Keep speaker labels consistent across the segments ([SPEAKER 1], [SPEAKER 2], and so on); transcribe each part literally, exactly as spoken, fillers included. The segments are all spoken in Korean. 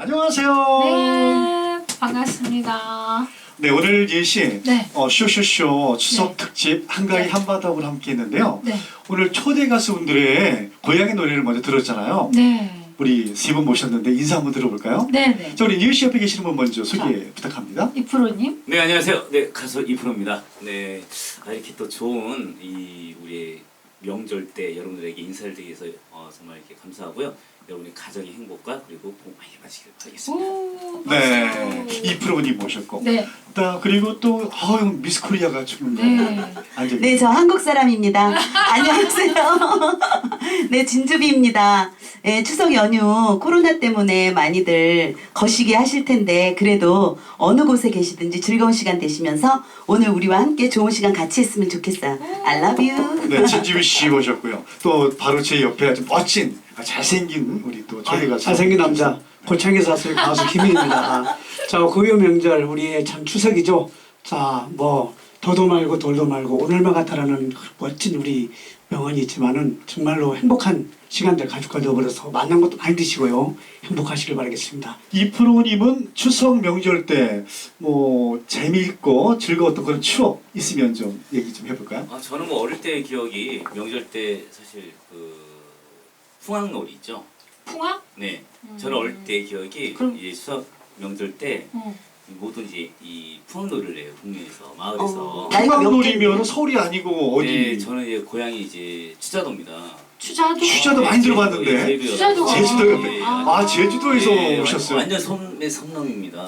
[SPEAKER 1] 안녕하세요.
[SPEAKER 2] 네, 반갑습니다.
[SPEAKER 1] 네, 오늘 예시
[SPEAKER 2] 네.
[SPEAKER 1] 어, 쇼쇼쇼 추석
[SPEAKER 2] 네.
[SPEAKER 1] 특집 한가위
[SPEAKER 2] 네.
[SPEAKER 1] 한바닥으로 함께 했는데요.
[SPEAKER 2] 네.
[SPEAKER 1] 오늘 초대 가수분들의 고향의 노래를 먼저 들었잖아요.
[SPEAKER 2] 네.
[SPEAKER 1] 우리 세 분 모셨는데 인사 한번 들어볼까요?
[SPEAKER 2] 네, 네.
[SPEAKER 1] 자, 우리 예시 옆에 계시는 분 먼저 소개
[SPEAKER 2] 자.
[SPEAKER 1] 부탁합니다.
[SPEAKER 2] 이프로님.
[SPEAKER 3] 네, 안녕하세요. 네, 가수 이프로입니다. 네, 아, 이렇게 또 좋은 이 우리의 명절 때 여러분들에게 인사를 드리기 위해서 어, 정말 이렇게 감사하고요. 여러분의 가정의 행복과 그리고 복 많이 받으시길 바라겠습니다.
[SPEAKER 2] 오,
[SPEAKER 1] 네,
[SPEAKER 2] 박수.
[SPEAKER 1] 이프로님 모셨고.
[SPEAKER 2] 네.
[SPEAKER 1] 자, 그리고 또 어유 미스 코리아가 지금
[SPEAKER 2] 네.
[SPEAKER 1] 앉아
[SPEAKER 4] 네, 저 한국 사람입니다. 안녕하세요. 네, 진주비입니다. 네, 추석 연휴 코로나 때문에 많이들 거시기 하실 텐데 그래도 어느 곳에 계시든지 즐거운 시간 되시면서 오늘 우리와 함께 좋은 시간 같이 했으면 좋겠어요. I love you.
[SPEAKER 1] 네, 진지미 씨 모셨고요. 또 바로 제 옆에 아주 멋진 잘생긴 우리 또 초대 가수.
[SPEAKER 5] 잘생긴 남자 고창에 사실 가수 김희입니다. 자, 고유 명절 우리의 참 추석이죠. 자, 뭐 더도 말고 돌도 말고 오늘만 같아라는 멋진 우리 명언이 있지만은 정말로 행복한 시간들 가족과 더불어서 만난 것도 많이 드시고요. 행복하시길 바라겠습니다.
[SPEAKER 1] 이프로님은 추석 명절 때 뭐 재미있고 즐거웠던 그런 추억 있으면 좀 얘기 좀 해볼까요?
[SPEAKER 3] 아, 저는 뭐 어릴 때 기억이 명절 때 사실 그 풍악놀이 있죠.
[SPEAKER 2] 풍악?
[SPEAKER 3] 네,
[SPEAKER 2] 음.
[SPEAKER 3] 저는 어릴 때 기억이
[SPEAKER 2] 그럼-
[SPEAKER 3] 이제 추석 명절 때
[SPEAKER 2] 응.
[SPEAKER 3] 모든 이제 이 풍악놀이를 해요. 동네에서 마을에서.
[SPEAKER 4] 어, 나이가 몇
[SPEAKER 1] 풍악놀이면 서울이 아니고 어디?
[SPEAKER 3] 네, 저는 이제 고향이 이제 추자도입니다.
[SPEAKER 2] 추자도.
[SPEAKER 1] 추자도 많이 들어봤는데.
[SPEAKER 3] 제주도,
[SPEAKER 2] 추자도가-
[SPEAKER 1] 제주도 옆에.
[SPEAKER 3] 네.
[SPEAKER 1] 아, 제주도에서
[SPEAKER 3] 네,
[SPEAKER 1] 오셨어요.
[SPEAKER 3] 완전 섬의 섬놈입니다.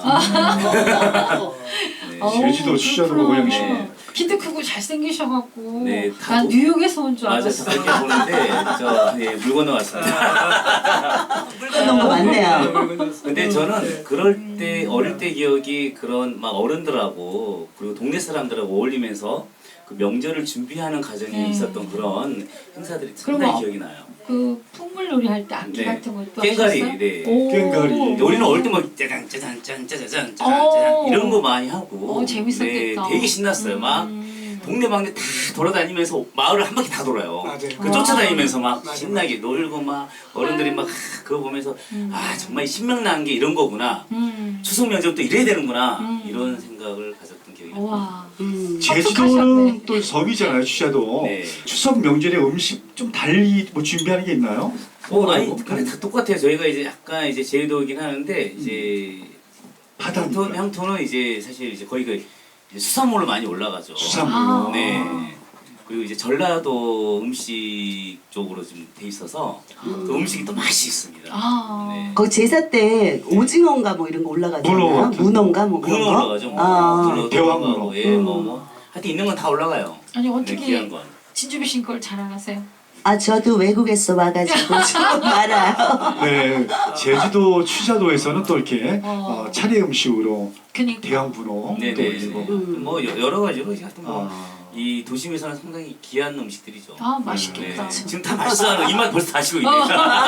[SPEAKER 3] 네.
[SPEAKER 2] 어우,
[SPEAKER 1] 제주도 추자도가
[SPEAKER 2] 그렇구나.
[SPEAKER 1] 고향이시네.
[SPEAKER 3] 네.
[SPEAKER 2] 키도 크고 잘생기셔갖고.
[SPEAKER 3] 네, 다
[SPEAKER 2] 난
[SPEAKER 3] 도-
[SPEAKER 2] 뉴욕에서 온 줄
[SPEAKER 3] 맞아요.
[SPEAKER 2] 알았어.
[SPEAKER 3] 그렇게 보는데 저 네, 물 건너왔습니다.
[SPEAKER 4] 물 건넌 거 많네요.
[SPEAKER 3] 근데 저는 그럴 때 어릴 때 기억이 그런 막 어른들하고 그리고 동네 사람들하고 어울리면서 그 명절을 준비하는 과정이
[SPEAKER 2] 음.
[SPEAKER 3] 있었던 그런 행사들이
[SPEAKER 2] 그럼
[SPEAKER 3] 상당히
[SPEAKER 2] 어-
[SPEAKER 3] 기억이 나요.
[SPEAKER 2] 그 풍물놀이 할 때 악기
[SPEAKER 3] 네.
[SPEAKER 2] 같은 것도
[SPEAKER 3] 꽹과리,
[SPEAKER 2] 하셨어요?
[SPEAKER 3] 네.
[SPEAKER 2] 오.
[SPEAKER 1] 꽹과리.
[SPEAKER 3] 근데 우리는 어릴 때 막 짜잔 짜잔 짠 짜잔 짜잔 짜잔
[SPEAKER 2] 어.
[SPEAKER 3] 이런 거 많이 하고
[SPEAKER 2] 어, 재밌었겠다.
[SPEAKER 3] 네, 되게 신났어요. 막
[SPEAKER 2] 음.
[SPEAKER 3] 동네 방네 다 돌아다니면서 마을을 한 바퀴 다 돌아요.
[SPEAKER 5] 맞아요.
[SPEAKER 3] 그 쫓아다니면서 막
[SPEAKER 5] 맞아요.
[SPEAKER 3] 신나게 놀고 막 어른들이 막 그거 보면서
[SPEAKER 2] 음.
[SPEAKER 3] 아 정말 신명나는 게 이런 거구나.
[SPEAKER 2] 음.
[SPEAKER 3] 추석 명절 또 이래야 되는구나.
[SPEAKER 2] 음.
[SPEAKER 3] 이런 생각을 가졌던 기억이 나요.
[SPEAKER 2] 와.
[SPEAKER 4] 음.
[SPEAKER 1] 제주도는
[SPEAKER 2] 합숙하셨네.
[SPEAKER 1] 또 섬이잖아요, 추자도.
[SPEAKER 3] 네.
[SPEAKER 1] 추석 명절에 음식 좀 달리 뭐 준비하는 게 있나요?
[SPEAKER 3] 어, 아니 근데 다 똑같아요. 저희가 이제 약간 이제 제주도이긴 하는데 이제
[SPEAKER 1] 바다니까.
[SPEAKER 3] 향토, 향토는 이제 사실 이제 거의 그 이제 수산물로 많이 올라가죠.
[SPEAKER 1] 수산물로.
[SPEAKER 2] 아.
[SPEAKER 3] 네. 그리고 이제 전라도 음식 쪽으로 좀 돼 있어서 또 음식이 또 맛이 있습니다.
[SPEAKER 2] 아.
[SPEAKER 3] 네.
[SPEAKER 4] 거기 제사 때 오징어인가 뭐 이런 거 올라가잖아요.
[SPEAKER 1] 문어 같은.
[SPEAKER 4] 문어인가 뭐 그런
[SPEAKER 3] 문어
[SPEAKER 4] 거.
[SPEAKER 3] 올라가죠. 뭐.
[SPEAKER 4] 아.
[SPEAKER 3] 문어도
[SPEAKER 1] 대왕문어.
[SPEAKER 3] 올라가고, 예, 뭐, 뭐. 하여튼 있는 건 다 올라가요.
[SPEAKER 2] 아니
[SPEAKER 3] 네,
[SPEAKER 2] 어떻게
[SPEAKER 3] 귀한 건.
[SPEAKER 2] 진주비 씨 걸 잘 알아세요?
[SPEAKER 4] 아, 저도 외국에서 와가지고 좀 알아요.
[SPEAKER 1] 네, 제주도 추자도에서는 또 이렇게
[SPEAKER 2] 어.
[SPEAKER 1] 어, 차례 음식으로
[SPEAKER 2] 그니까.
[SPEAKER 1] 대왕분호 또
[SPEAKER 3] 네네.
[SPEAKER 1] 올리고.
[SPEAKER 4] 음.
[SPEAKER 3] 뭐 여- 여러 가지로 하여튼 뭐.
[SPEAKER 1] 아.
[SPEAKER 3] 이 도심에서는 상당히 귀한 음식들이죠.
[SPEAKER 2] 아 맛있겠다.
[SPEAKER 3] 네. 지금 다 맛있어하는 입맛 벌써 다시고 있네.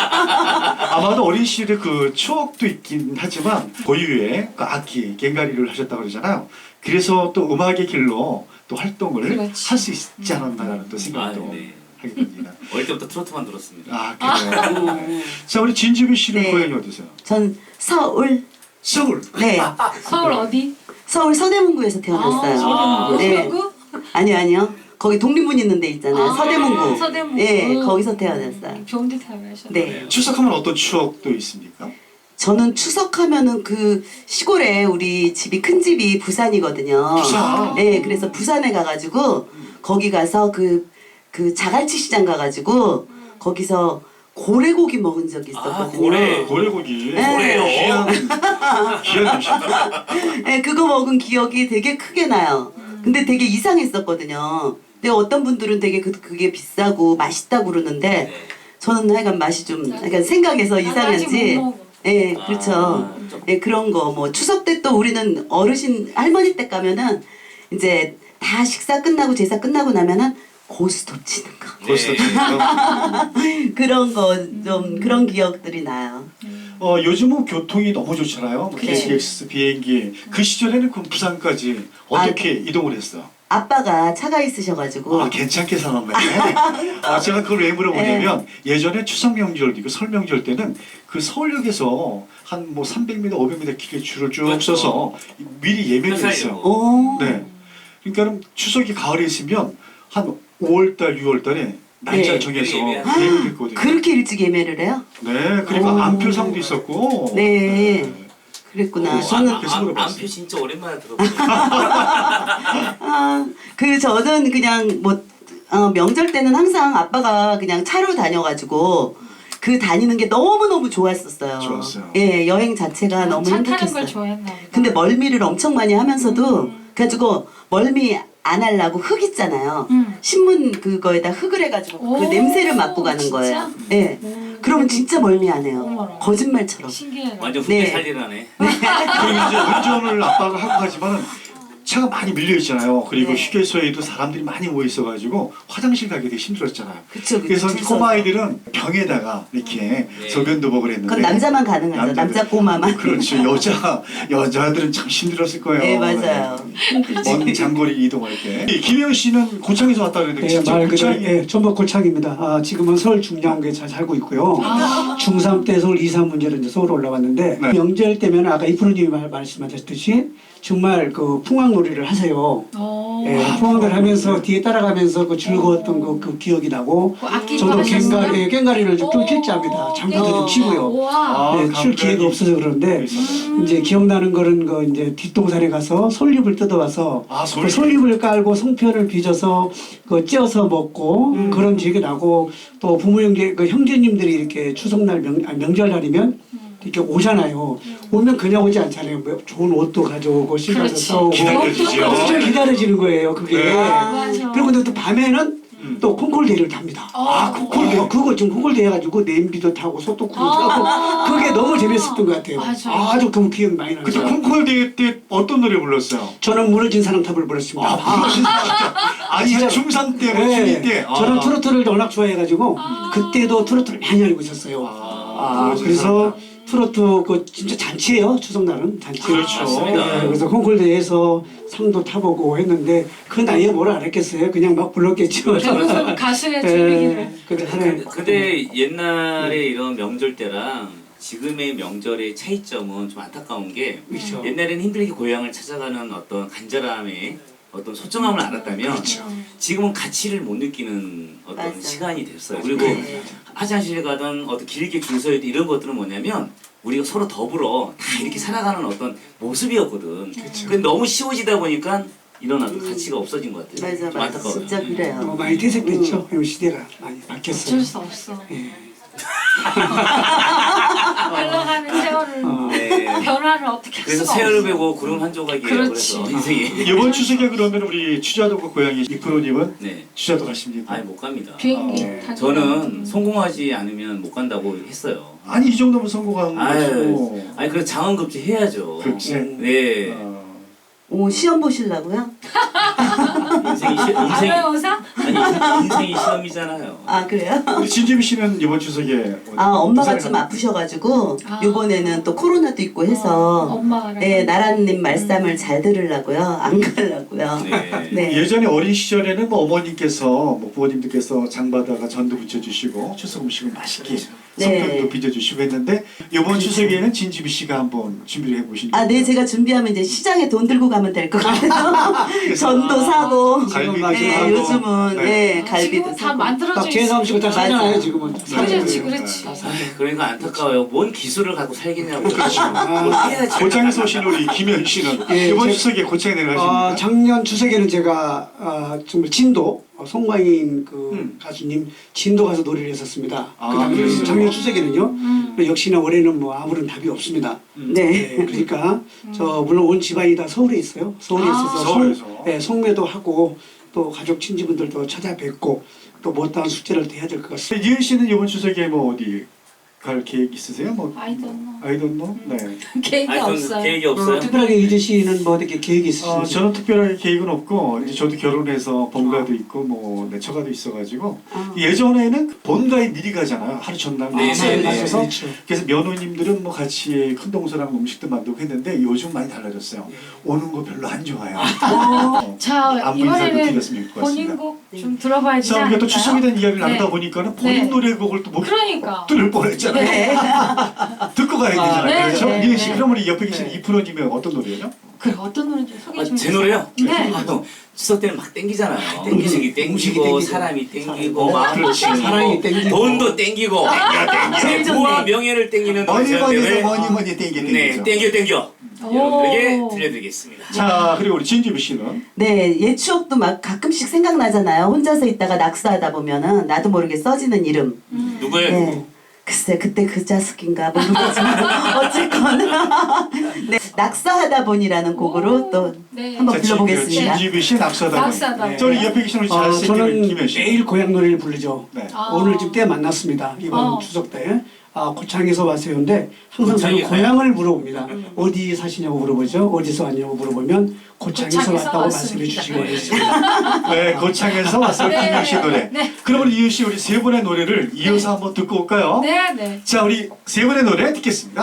[SPEAKER 1] 아마도 어린 시절의 그 추억도 있긴 하지만 고유의 그 악기 꽹과리를 하셨다고 그러잖아요. 그래서 또 음악의 길로 또 활동을
[SPEAKER 2] 그렇지.
[SPEAKER 1] 할 수 있지 않았나라는 또
[SPEAKER 3] 아,
[SPEAKER 1] 생각도
[SPEAKER 3] 네.
[SPEAKER 1] 하게 됩니다.
[SPEAKER 3] 어릴 때부터 트로트만 들었습니다.
[SPEAKER 1] 아 그래요. 자, 우리 진주비 씨는
[SPEAKER 4] 네.
[SPEAKER 1] 고향이 어디세요?
[SPEAKER 4] 전 서울.
[SPEAKER 1] 서울.
[SPEAKER 4] 네.
[SPEAKER 2] 서울 어디?
[SPEAKER 4] 서울 서대문구에서 태어났어요.
[SPEAKER 2] 서대문구.
[SPEAKER 4] 네.
[SPEAKER 2] 서대문구?
[SPEAKER 4] 아니요, 아니요. 거기 독립문 있는 데 있잖아요.
[SPEAKER 2] 아,
[SPEAKER 4] 서대문구.
[SPEAKER 2] 서대문구.
[SPEAKER 4] 네, 거기서 태어났어요.
[SPEAKER 2] 음, 좋은 데 태어나셨네.
[SPEAKER 4] 네.
[SPEAKER 1] 추석하면 어떤 추억도 있습니까?
[SPEAKER 4] 저는 추석하면은 그 시골에 우리 집이 큰 집이 부산이거든요.
[SPEAKER 1] 부산.
[SPEAKER 4] 네, 그래서 부산에 가가지고 거기 가서 그, 그 자갈치 시장 가가지고 거기서 고래고기 먹은 적이 있었거든요.
[SPEAKER 3] 아, 고래.
[SPEAKER 1] 고래고기.
[SPEAKER 4] 네.
[SPEAKER 3] 고래요.
[SPEAKER 1] 귀한 귀한 음식.
[SPEAKER 4] 네, 그거 먹은 기억이 되게 크게 나요. 근데 되게 이상했었거든요. 근데 어떤 분들은 되게 그, 그게 비싸고 맛있다고 그러는데
[SPEAKER 3] 네.
[SPEAKER 4] 저는 하여간 맛이 좀 약간 생각해서
[SPEAKER 2] 난 아직
[SPEAKER 4] 이상한지.
[SPEAKER 2] 못 먹어.
[SPEAKER 4] 네, 그렇죠.
[SPEAKER 3] 아,
[SPEAKER 4] 네, 그런 거 뭐 추석 때 또 우리는 어르신 할머니 댁 가면은 이제 다 식사 끝나고 제사 끝나고 나면은 고스톱 치는 거
[SPEAKER 1] 벌써
[SPEAKER 3] 네.
[SPEAKER 4] 그런 거 좀 그런 기억들이 나요.
[SPEAKER 1] 어, 요즘은 교통이 너무 좋잖아요. 뭐
[SPEAKER 4] 그래.
[SPEAKER 1] 케이티엑스 비행기. 그 시절에는 그럼 부산까지 어떻게 이동을 했어?
[SPEAKER 4] 아빠가 차가 있으셔가지고
[SPEAKER 1] 아 괜찮게 살았네. 아 제가 그걸 왜 물어보냐면 예전에 추석 명절 이고 설 명절 때는 그 서울역에서 한 뭐 삼백 미터, 오백 미터 길게 줄을 쭉
[SPEAKER 3] 그렇죠.
[SPEAKER 1] 서서 미리 예매를 했어요.
[SPEAKER 4] 오.
[SPEAKER 1] 네. 그러니까 추석이 가을에 있으면 한 오월달, 유월달에 날짜를
[SPEAKER 4] 네.
[SPEAKER 1] 정해서
[SPEAKER 3] 예매.
[SPEAKER 1] 예매를 했거든요.
[SPEAKER 4] 그렇게 일찍 예매를 해요?
[SPEAKER 1] 네, 그리고
[SPEAKER 4] 오.
[SPEAKER 1] 안표상도 있었고.
[SPEAKER 4] 네. 그랬구나.
[SPEAKER 1] 어,
[SPEAKER 4] 저는
[SPEAKER 1] 아, 그래서 물어봤어요.
[SPEAKER 3] 안표 진짜 오랜만에 들어보네요.
[SPEAKER 4] 아, 그 저는 그냥 뭐 어, 명절 때는 항상 아빠가 그냥 차로 다녀가지고 그 다니는 게 너무 너무 좋았었어요.
[SPEAKER 1] 좋았어요.
[SPEAKER 4] 예, 여행 자체가 너무
[SPEAKER 2] 차 타는
[SPEAKER 4] 행복했어요.
[SPEAKER 2] 걸 좋아했나 보다.
[SPEAKER 4] 근데 멀미를 엄청 많이 하면서도
[SPEAKER 2] 음.
[SPEAKER 4] 그래가지고 멀미 안 하려고 흙 있잖아요.
[SPEAKER 2] 음.
[SPEAKER 4] 신문 그거에다 흙을 해가지고 그
[SPEAKER 2] 오,
[SPEAKER 4] 냄새를 맡고 가는
[SPEAKER 2] 진짜?
[SPEAKER 4] 거예요. 예.
[SPEAKER 2] 음.
[SPEAKER 4] 그러면 진짜 멀미 안 해요.
[SPEAKER 2] 어머나.
[SPEAKER 4] 거짓말처럼.
[SPEAKER 2] 신기해.
[SPEAKER 3] 완전
[SPEAKER 4] 네.
[SPEAKER 3] 후배 살리라네.
[SPEAKER 1] 그리고 이제 운전을 아빠가 하고 가지만은 차가 많이 밀려 있잖아요. 그리고
[SPEAKER 4] 네.
[SPEAKER 1] 휴게소에도 사람들이 많이 모여 있어가지고 화장실 가기 되게 힘들었잖아요.
[SPEAKER 4] 그쵸, 그쵸.
[SPEAKER 1] 그래서
[SPEAKER 4] 줄 서서.
[SPEAKER 1] 꼬마 아이들은 병에다가 이렇게
[SPEAKER 3] 네.
[SPEAKER 1] 소변도 먹으려 했는데
[SPEAKER 4] 그건 남자만 가능하죠.
[SPEAKER 1] 남자들-
[SPEAKER 4] 남자 꼬마만.
[SPEAKER 1] 그렇죠. 여자 여자들은 참 힘들었을 거예요.
[SPEAKER 4] 네, 맞아요.
[SPEAKER 1] 먼 장거리 이동할 때. 김영 씨는 고창에서 왔다 그랬는데
[SPEAKER 5] 네,
[SPEAKER 1] 진짜
[SPEAKER 5] 말 그대로
[SPEAKER 1] 고창이
[SPEAKER 5] 예, 전북 고창입니다. 아, 지금은 서울 중량구에 잘 살고 있고요. 중삼 때 서울 이사 문제로 이제 서울 올라왔는데
[SPEAKER 1] 네.
[SPEAKER 5] 명절 때면 아까 이프로님이 말- 말씀하셨듯이 정말 그 풍악놀이를 하세요.
[SPEAKER 2] 오.
[SPEAKER 5] 예,
[SPEAKER 1] 아,
[SPEAKER 5] 풍악을 하면서
[SPEAKER 1] 풍악놀이.
[SPEAKER 5] 뒤에 따라가면서 그 즐거웠던 그, 그 기억이 나고
[SPEAKER 2] 그 악기
[SPEAKER 5] 저도
[SPEAKER 2] 받으셨어요?
[SPEAKER 5] 갱가리, 예, 갱가리를 좀
[SPEAKER 2] 오.
[SPEAKER 5] 필기합니다. 장구도 좀
[SPEAKER 4] 어.
[SPEAKER 5] 치고요.
[SPEAKER 2] 우와.
[SPEAKER 5] 네, 출 기회가 없어서 그런데
[SPEAKER 2] 음.
[SPEAKER 5] 이제 기억나는 거는 그 이제 뒷동산에 가서 솔잎을 뜯어와서
[SPEAKER 1] 아,
[SPEAKER 5] 그
[SPEAKER 1] 솔잎.
[SPEAKER 5] 솔잎을 깔고 송편을 빚어서 그 쪄서 먹고
[SPEAKER 1] 음.
[SPEAKER 5] 그런 기억이 나고 또 부모 형제 그 형제님들이 이렇게 추석날 명, 아니, 명절날이면 이렇게 오잖아요. 오면 그냥 오지 않잖아요. 뭐 좋은 옷도 가져오고 신발도
[SPEAKER 2] 그렇지.
[SPEAKER 5] 사오고
[SPEAKER 1] 기다려주지요.
[SPEAKER 5] 엄청 기다려지는 거예요. 그게.
[SPEAKER 1] 네.
[SPEAKER 2] 맞아.
[SPEAKER 5] 그리고 근데 또 밤에는
[SPEAKER 1] 음.
[SPEAKER 5] 또 콩콜대를 탑니다.
[SPEAKER 2] 아,
[SPEAKER 5] 콩콜대 그거 지금 콩콜대 해가지고 냄비도 타고 소뚜꾸도
[SPEAKER 2] 아.
[SPEAKER 5] 타고 그게 너무 재밌었던 것 같아요.
[SPEAKER 2] 맞아.
[SPEAKER 5] 아주 그 기억이 많이 나요.
[SPEAKER 1] 그때 콩쿨 대회 때 어떤 노래 불렀어요?
[SPEAKER 5] 저는 무너진 사랑탑을 불렀습니다.
[SPEAKER 1] 아, 아니
[SPEAKER 5] 진짜.
[SPEAKER 1] 중삼 때, 뭐
[SPEAKER 5] 네.
[SPEAKER 1] 중이 때. 아.
[SPEAKER 5] 저는 트로트를 워낙 좋아해가지고
[SPEAKER 2] 아.
[SPEAKER 5] 그때도 트로트를 많이 알고 있었어요.
[SPEAKER 1] 아,
[SPEAKER 5] 아, 그래서 트로트 그 진짜 잔치예요. 추석날은 잔치.
[SPEAKER 1] 그렇죠.
[SPEAKER 3] 맞습니다.
[SPEAKER 5] 네, 그래서 콩쿨대에서 상도 타보고 했는데 그 나이에 뭘 알았겠어요. 그냥 막 불렀겠죠.
[SPEAKER 2] 대부분 가수의
[SPEAKER 5] 네,
[SPEAKER 2] 재미기를.
[SPEAKER 5] 근데
[SPEAKER 3] 근데,
[SPEAKER 5] 하나의
[SPEAKER 3] 근데 옛날에 이런 명절 때랑 지금의 명절의 차이점은 좀 안타까운 게
[SPEAKER 5] 그렇죠.
[SPEAKER 3] 옛날에는 힘들게 고향을 찾아가는 어떤 간절함의 어떤 소중함을 알았다면 지금은 가치를 못 느끼는 어떤
[SPEAKER 4] 맞아.
[SPEAKER 3] 시간이 됐어요. 그리고
[SPEAKER 4] 네.
[SPEAKER 3] 화장실 가든 어떤 길게 줄 서야 돼 이런 것들은 뭐냐면 우리가 서로 더불어 다 이렇게 살아가는 어떤 모습이었거든. 근데 너무 쉬워지다 보니까 이런 어떤 가치가 없어진 것 같아요.
[SPEAKER 4] 맞아,
[SPEAKER 3] 좀
[SPEAKER 4] 맞아.
[SPEAKER 3] 안타까워요.
[SPEAKER 4] 진짜 그래요.
[SPEAKER 5] 어, 많이 퇴색됐죠. 음. 시대가 많이 바뀌었어요.
[SPEAKER 2] 어쩔 수 없어.
[SPEAKER 5] 예.
[SPEAKER 2] 흘러가는 세월을
[SPEAKER 5] 어.
[SPEAKER 3] 네.
[SPEAKER 2] 변화를 어떻게 할
[SPEAKER 3] 그래서
[SPEAKER 2] 수가
[SPEAKER 3] 세월을
[SPEAKER 2] 없어.
[SPEAKER 3] 베고 구름 한 조각이에요.
[SPEAKER 2] 그렇지.
[SPEAKER 3] 그래서 인생이.
[SPEAKER 1] 이번 추석에 그러면 우리 추자도가 고향이 이프로님은
[SPEAKER 3] 네.
[SPEAKER 1] 추자도 가십니까?
[SPEAKER 3] 아니 못 갑니다.
[SPEAKER 2] 비행기
[SPEAKER 1] 어.
[SPEAKER 2] 타고.
[SPEAKER 3] 저는 성공하지 않으면 못 간다고 했어요.
[SPEAKER 1] 아니 이 정도면 성공한
[SPEAKER 3] 아유,
[SPEAKER 1] 거고.
[SPEAKER 3] 아니 그래 장원급제 해야죠.
[SPEAKER 1] 급제?
[SPEAKER 3] 네.
[SPEAKER 1] 어.
[SPEAKER 4] 오, 시험 보시려고요?
[SPEAKER 3] 인생이 시, 인생
[SPEAKER 2] 아나운서?
[SPEAKER 3] 아니 인생이 시험이잖아요.
[SPEAKER 4] 아, 그래요?
[SPEAKER 1] 우리 진지미 씨는 이번 추석에 어디
[SPEAKER 4] 아, 엄마가
[SPEAKER 1] 부산에
[SPEAKER 4] 좀
[SPEAKER 1] 가-
[SPEAKER 4] 아프셔가지고
[SPEAKER 2] 아.
[SPEAKER 4] 요번에는 또 코로나도 있고 해서
[SPEAKER 2] 엄마가
[SPEAKER 4] 네, 나라님 말씀을 잘 들으려고요. 안 가려고요.
[SPEAKER 3] 네.
[SPEAKER 4] 네.
[SPEAKER 1] 예전에 어린 시절에는 뭐 어머님께서 뭐 부모님들께서 장바다가 전도 부쳐주시고 추석 음식을 맛있게
[SPEAKER 4] 네.
[SPEAKER 1] 성편도 빚어주시고 했는데 이번 추석에는 진지미 씨가 한번 준비를 해보신
[SPEAKER 4] 아, 네, 제가 준비하면 이제 시장에 돈 들고 가면 될 것 같아요. 전도 사고.
[SPEAKER 1] 갈비도
[SPEAKER 4] 네,
[SPEAKER 1] 사고.
[SPEAKER 4] 요즘은
[SPEAKER 1] 네.
[SPEAKER 4] 네,
[SPEAKER 2] 아,
[SPEAKER 4] 갈비도
[SPEAKER 2] 지금 다
[SPEAKER 4] 사고.
[SPEAKER 2] 만들어져
[SPEAKER 5] 딱 제사 음식을 다
[SPEAKER 4] 맞아.
[SPEAKER 5] 사잖아요. 지금은.
[SPEAKER 2] 그렇지, 그렇지.
[SPEAKER 1] 네.
[SPEAKER 3] 그러니까 안타까워요. 뭔 기술을 갖고 살겠냐고.
[SPEAKER 1] 그렇죠.
[SPEAKER 3] 뭘 해야지.
[SPEAKER 1] 고창에서 오신 우리 김현 씨는
[SPEAKER 5] 예,
[SPEAKER 1] 이번
[SPEAKER 5] 제-
[SPEAKER 1] 추석에 고창에 내려가십니까?
[SPEAKER 5] 아, 작년 추석에는 제가 아, 정말 진도 어, 송광인 그
[SPEAKER 1] 음.
[SPEAKER 5] 가수님 진도 가서 노래를 했었습니다.
[SPEAKER 1] 아,
[SPEAKER 5] 그 당시
[SPEAKER 1] 그래요?
[SPEAKER 5] 작년 추석에는요.
[SPEAKER 2] 음.
[SPEAKER 5] 역시나 올해는 뭐 아무런 답이 없습니다.
[SPEAKER 4] 네.
[SPEAKER 5] 네, 그러니까 저 물론 온 집안이 다 서울에 있어요. 서울에
[SPEAKER 2] 아.
[SPEAKER 5] 있어서
[SPEAKER 1] 서울에서.
[SPEAKER 5] 송, 네, 송매도 하고 또 가족 친지분들도 찾아뵙고 또 못다한 숙제를 또 해야 될 것 같습니다.
[SPEAKER 1] 이은 씨는 이번 추석에 뭐 어디 갈 계획 있으세요? 뭐
[SPEAKER 2] I don't know.
[SPEAKER 1] I don't know. 네.
[SPEAKER 2] 계획이
[SPEAKER 3] 아니, 전
[SPEAKER 2] 없어요.
[SPEAKER 3] 계획이
[SPEAKER 5] 어,
[SPEAKER 3] 없어요.
[SPEAKER 5] 특별하게 이재 씨는 뭐 어떻게 계획이
[SPEAKER 1] 어,
[SPEAKER 5] 있으신가요?
[SPEAKER 1] 저는 특별하게 계획은 없고 이제 저도 결혼해서 본가도 있고 뭐 내 처가도 있어가지고
[SPEAKER 4] 아.
[SPEAKER 1] 예전에는 본가에 미리 가잖아요. 하루 전날
[SPEAKER 3] 네,
[SPEAKER 1] 미리
[SPEAKER 3] 네, 네.
[SPEAKER 1] 가셔서
[SPEAKER 5] 그렇죠.
[SPEAKER 1] 그래서 며느님들은 뭐 같이 큰 동서랑 음식도 만들고 했는데 요즘 많이 달라졌어요. 오는 거 별로 안 좋아요. 어,
[SPEAKER 2] 자
[SPEAKER 1] 안부 인사도
[SPEAKER 2] 이번에는
[SPEAKER 1] 드렸으면 좋을 것 같습니다.
[SPEAKER 2] 본인 곡 좀 들어봐야 되지
[SPEAKER 1] 자, 우리가
[SPEAKER 2] 않을까요?
[SPEAKER 1] 또 추석에 대한 이야기를
[SPEAKER 2] 네.
[SPEAKER 1] 나누다 보니까는 본인
[SPEAKER 2] 네.
[SPEAKER 1] 노래곡을 또 못
[SPEAKER 2] 그러니까.
[SPEAKER 1] 들을 뻔했잖아요.
[SPEAKER 4] 네.
[SPEAKER 1] 듣고 가야 되잖아요.
[SPEAKER 2] 네,
[SPEAKER 1] 그렇죠?
[SPEAKER 2] 네,
[SPEAKER 1] 미은 씨,
[SPEAKER 2] 네.
[SPEAKER 1] 그럼 우리 옆에 계신
[SPEAKER 5] 네.
[SPEAKER 1] 이프로님은 어떤 노래예요?
[SPEAKER 2] 그래 어떤 노래인지 소개
[SPEAKER 3] 아,
[SPEAKER 2] 좀
[SPEAKER 3] 제
[SPEAKER 2] 해주세요.
[SPEAKER 3] 노래요?
[SPEAKER 2] 네.
[SPEAKER 3] 아, 또 추석 때는 막 땡기잖아요.
[SPEAKER 1] 땡기지.
[SPEAKER 3] 음식이
[SPEAKER 5] 음식이
[SPEAKER 3] 땡기고
[SPEAKER 5] 땡기고.
[SPEAKER 3] 사람이 땡기고
[SPEAKER 1] 어,
[SPEAKER 3] 마음도
[SPEAKER 1] 그렇지.
[SPEAKER 3] 땡기고
[SPEAKER 5] 사랑이 땡기고.
[SPEAKER 3] 돈도 땡기고
[SPEAKER 4] 제일 좋네.
[SPEAKER 3] 부와 명예를 땡기는
[SPEAKER 1] 뭐니
[SPEAKER 3] 노래
[SPEAKER 1] 뭐니
[SPEAKER 3] 때문에
[SPEAKER 1] 뭐니 뭐니 땡기
[SPEAKER 3] 네
[SPEAKER 1] 땡기죠.
[SPEAKER 3] 땡겨 땡겨
[SPEAKER 2] 오.
[SPEAKER 3] 여러분에게 들려드리겠습니다.
[SPEAKER 1] 자, 그리고 우리 진주비 씨는
[SPEAKER 4] 네, 옛 추억도 막 가끔씩 생각나잖아요. 혼자서 있다가 낙서하다 보면은 나도 모르게 써지는 이름.
[SPEAKER 2] 음.
[SPEAKER 3] 누구예요?
[SPEAKER 4] 네. 글쎄 그때 그 자식인가 모르겠지만 어쨌거나 네, 낙서하다 보니라는 곡으로 또
[SPEAKER 2] 네.
[SPEAKER 4] 한번
[SPEAKER 1] 자,
[SPEAKER 4] 불러보겠습니다.
[SPEAKER 1] 진주비 씨 낙서하다
[SPEAKER 2] 낙서하다
[SPEAKER 1] 보니.
[SPEAKER 5] 네.
[SPEAKER 1] 저 우리 옆에 계신 우리
[SPEAKER 5] 어,
[SPEAKER 1] 잘생긴
[SPEAKER 5] 저는
[SPEAKER 1] 김현 씨.
[SPEAKER 5] 매일 고향 노래를 부르죠.
[SPEAKER 1] 네.
[SPEAKER 2] 아.
[SPEAKER 5] 오늘 지금 때 만났습니다. 이번
[SPEAKER 2] 어.
[SPEAKER 5] 추석 때. 아, 고창에서 왔어요인데 항상 저는
[SPEAKER 3] 고창에
[SPEAKER 5] 고향을 물어봅니다. 어디 사시냐고 물어보죠. 어디서 왔냐고 물어보면 고창에서
[SPEAKER 2] 고창에서
[SPEAKER 5] 왔다고
[SPEAKER 2] 왔습니다.
[SPEAKER 5] 말씀해 주시기 바라겠습니다.
[SPEAKER 1] 네, 고창에서 왔어요.
[SPEAKER 2] 네.
[SPEAKER 1] 김현 씨 노래.
[SPEAKER 2] 네.
[SPEAKER 1] 그럼 우리 이유 씨 우리 세 분의 노래를 이어서 한번 듣고 올까요?
[SPEAKER 2] 네, 네.
[SPEAKER 1] 자, 우리 세 분의 노래 듣겠습니다.